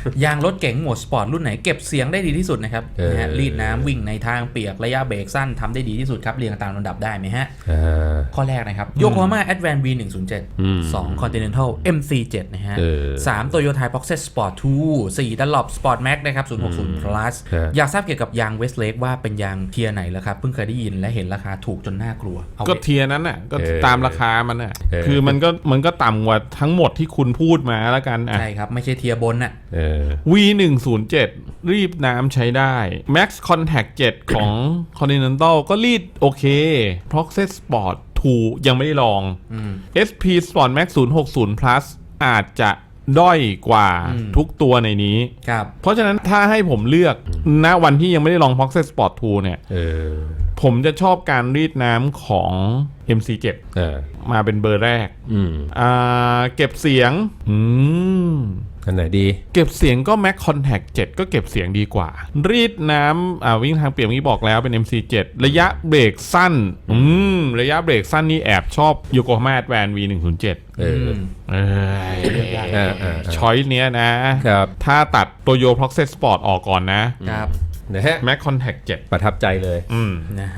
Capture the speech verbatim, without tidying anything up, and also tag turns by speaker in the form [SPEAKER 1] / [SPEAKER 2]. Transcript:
[SPEAKER 1] ยางรถเก๋งโหมดสปอร์ตรุ่นไหนเก็บเสียงได้ดีที่สุดนะครับนะฮะรีดน้ำวิ่งในทางเปียกระยะเบรกสั้นทำได้ดีที่สุดครับเรียงตามลำดับได้ไหมฮะข้อแรกนะครับโยโกฮาม่า Advance วี หนึ่งศูนย์เจ็ด สอง Continental เอ็ม ซี เซเว่น นะฮะสาม Toyota Proxys Sport ทู สี่ Dunlop Sport Max นะครับศูนย์หกศูนย์ plus อยากทราบเกี่ยวกับยาง Westlake ว่าเป็นยางเทียร์ไหนแล้วครับเพิ่งเคยได้ยินและเห็นราคาถูกจนน่ากลัว
[SPEAKER 2] ก็เทียร์นั้นน่ะก็ตามราคามันน่ะคือมันก็มันก็ต่ำกว่าทั้งหมดที่คุณพูดมาแล้วกัน
[SPEAKER 1] ใช่ครับไม่ใช่เทียร์บนน่ะ
[SPEAKER 2] วี หนึ่งศูนย์เจ็ด รีดน้ำใช้ได้ Max Contact เจ็ด ของ Continental ก็รีดโอเค Proxys Sport ทู ยังไม่ได้ลอง เอส พี Sport Max ศูนย์หกศูนย์ plus อาจจะด้อยกว่าทุกตัวในนี้เพราะฉะนั้นถ้าให้ผมเลือกณวันที่ยังไม่ได้ลอง Proxys Sport ทู เนี่ยผมจะชอบการรีดน้ำของ เอ็ม ซี เซเว่น มาเป็นเบอร์แรกเก็บเสียงอืม
[SPEAKER 3] อันไหนดี
[SPEAKER 2] เก็บเสียงก็ Max Contact เจ็ด ก็เก็บเสียงดีกว่ารีดน้ำอ่าวิ่งทางเปียกนี้บอกแล้วเป็น เอ็ม ซี เซเว่น ระยะเบรกสั้นอืมระยะเบรกสั้นนี่แอบชอบ Yokohama Advance วี หนึ่งศูนย์เจ็ด เออเออช้อยเนี้ยนะครับถ้าตัดตัว Yo Proxys Sport ออกก่อนนะครับนะฮะ Max Contact เจ็ด
[SPEAKER 3] ประทับใจเลย
[SPEAKER 2] อืม
[SPEAKER 1] นะ